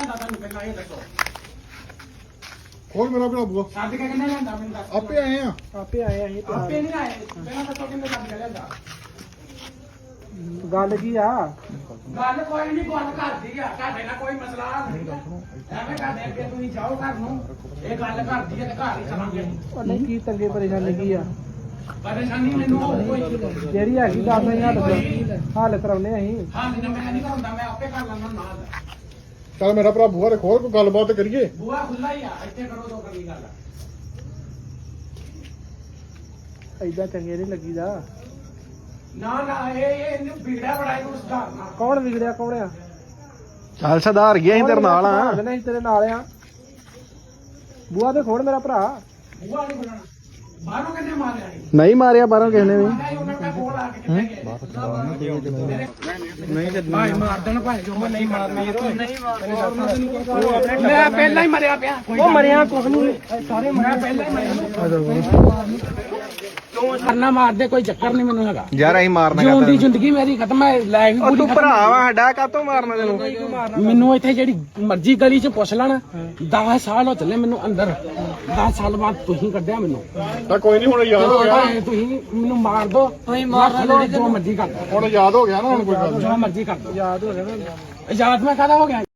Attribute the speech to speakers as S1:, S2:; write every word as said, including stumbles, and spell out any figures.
S1: ਲਿਆਂਦਾ ਤੁਹਾਨੂੰ ਪਹਿਲਾਂ ਇਹ ਦੱਸੋ
S2: ਹੋਰ ਮੇਰਾ ਭਰਾ ਬੂਆ
S1: ਛੱਡ ਕੇ ਕਿੰਨੇ ਲਿਆਂਦਾ ਮੈਨੂੰ ਦੱਸ
S2: ਆਪੇ ਆਏ ਆ
S3: ਆਪੇ ਆਏ ਅਸੀਂ
S1: ਆਪੇ ਨਹੀਂ ਆਏ ਪਹਿਲਾਂ ਦੱਸੋ ਕਿੰਨੇ ਛੱਡ ਕੇ ਲਿਆਂਦਾ
S3: ਗੱਲ ਕੀ ਆ
S1: ਗੱਲ ਕੋਈ ਨਹੀਂ ਗੱਲ ਕਰਦੀ ਆ ਤੁਹਾਡੇ ਨਾਲ ਕੋਈ ਮਸਲਾ ਨਹੀਂ ਐਵੇਂ ਕਰਦੇ ਅੱਗੇ ਤੁਸੀਂ ਜਾਓ ਘਰ ਨੂੰ ਇਹ ਗੱਲ ਕਰਦੀ ਆ ਤੇ ਘਰ ਹੀ ਚਲਾਂਗੇ
S3: ਉਹ ਨਹੀਂ ਕੀ ਤੰਗੇ ਪਰੇਸ਼ਾਨੀ ਕੀ ਆ
S1: ਪਰੇਸ਼ਾਨੀ ਮੈਨੂੰ ਹੋਰ ਕੋਈ
S3: ਜਿਹੜੀ ਹੈਗੀ ਦੱਸ ਅਸੀਂ ਹੱਲ ਹੱਲ ਕਰਾਉਨੇ ਅਸੀਂ
S1: ਹਾਂ ਨਹੀਂ ਮੈਂ ਨਹੀਂ ਕਰਾਉਂਦਾ ਮੈਂ ਆਪੇ ਕਰ ਲੈਂਦਾ ਨਾਲ
S2: ਚੱਲ ਮੇਰਾ ਭਰਾ ਬੂਆ ਦੇ ਖੋਲ ਕੋਈ ਗੱਲਬਾਤ ਕਰੀਏ
S1: ਬੂਆ ਖੁੱਲਾ ਹੀ ਆ ਇੱਥੇ ਕਰੋ ਦੋ ਕਰੀ ਗੱਲ
S3: ਐਦਾਂ ਚੰਗੇ ਨਹੀਂ ਲੱਗੀਦਾ
S1: ਨਾ ਨਾ ਇਹ ਇਹ ਇਹਨੂੰ ਵਿਗੜਿਆ ਬੜਾ ਇਹਨੂੰ ਸੁਧਾਰਨਾ
S3: ਕੌਣ ਵਿਗੜਿਆ ਕੌਣ ਆ
S4: ਚੱਲ ਸੁਧਾਰ ਗਿਆ ਅਸੀਂ ਤੇਰੇ ਨਾਲ ਆ
S3: ਨਹੀਂ ਤੇਰੇ ਨਾਲ ਆ ਬੂਆ ਤੇ ਖੋੜ ਮੇਰਾ ਭਰਾ
S1: ਬੂਆ ਨਹੀਂ ਬੁਲਾਣਾ ਬਾਹਰੋਂ ਕਿੰਨੇ ਮਾਰਿਆ ਇਹ
S4: ਨਹੀਂ ਮਾਰਿਆ ਬਾਹਰੋਂ ਕਿਸੇ ਨੇ ਵੀ
S1: ਉਹਨਾਂ ਦਾ ਕੋਲ ਆ ਕੇ ਕਿੱਥੇ ਗਏ ਨਹੀਂ ਤੇ ਭਾਈ ਮਾਰ ਦੇਣ ਭਾਈ ਜੋ ਮੈਂ ਨਹੀਂ ਮਾਰਨਾ ਨਹੀਂ ਮਾਰਨਾ ਮੈਂ ਪਹਿਲਾਂ ਹੀ ਮਰਿਆ ਪਿਆ
S3: ਉਹ ਮਰਿਆ ਕੁਛ ਨਹੀਂ
S1: ਸਾਰੇ ਮਰਿਆ ਪਹਿਲਾਂ ਹੀ ਮਰਿਆ ਕਿਉਂ ਕਰਨਾ ਮਾਰਦੇ ਕੋਈ ਚੱਕਰ ਨਹੀਂ ਮੈਨੂੰ ਹੈਗਾ
S4: ਯਾਰ ਅਸੀਂ ਮਾਰਨਾ
S1: ਜਿਉਂ ਦੀ ਜ਼ਿੰਦਗੀ ਮੇਰੀ ਖਤਮ ਹੈ ਲੈ ਵੀ
S4: ਉਹ ਤੂੰ ਭਰਾ ਵਾ ਸਾਡਾ ਕਾਤੋਂ ਮਾਰਨਾ ਤੈਨੂੰ
S1: ਮੈਨੂੰ ਇੱਥੇ ਜਿਹੜੀ ਮਰਜ਼ੀ ਗਲੀ 'ਚ ਪੁੱਛ ਲੈਣ ਦਸ ਸਾਲ ਹੋ ਚੱਲੇ ਮੈਨੂੰ ਅੰਦਰ ਦਸ ਸਾਲ ਬਾਅਦ ਤੁਸੀਂ ਕੱਢਿਆ ਮੈਨੂੰ
S2: ਤਾਂ ਕੋਈ ਨਹੀਂ ਹੁਣ ਯਾਦ ਹੋ ਗਿਆ
S1: ਤੁਸੀਂ ਮੈਨੂੰ ਮਾਰ ਦੋ ਤੁਸੀਂ ਮਾਰ ਲਓ ਜੋ ਮਰਜ਼ੀ ਕਰ ਦੋ
S2: ਹੁਣ ਯਾਦ ਹੋ ਗਿਆ ਨਾ ਹੁਣ ਕੋਈ ਗੱਲ
S1: ਜੋ ਮਰਜ਼ੀ ਕਰ ਦੋ
S3: ਯਾਦ ਹੋ ਗਿਆ ਨਾ
S1: ਆਜ਼ਾਦ ਮੈਂ ਕਾਹਦਾ ਹੋ ਗਿਆ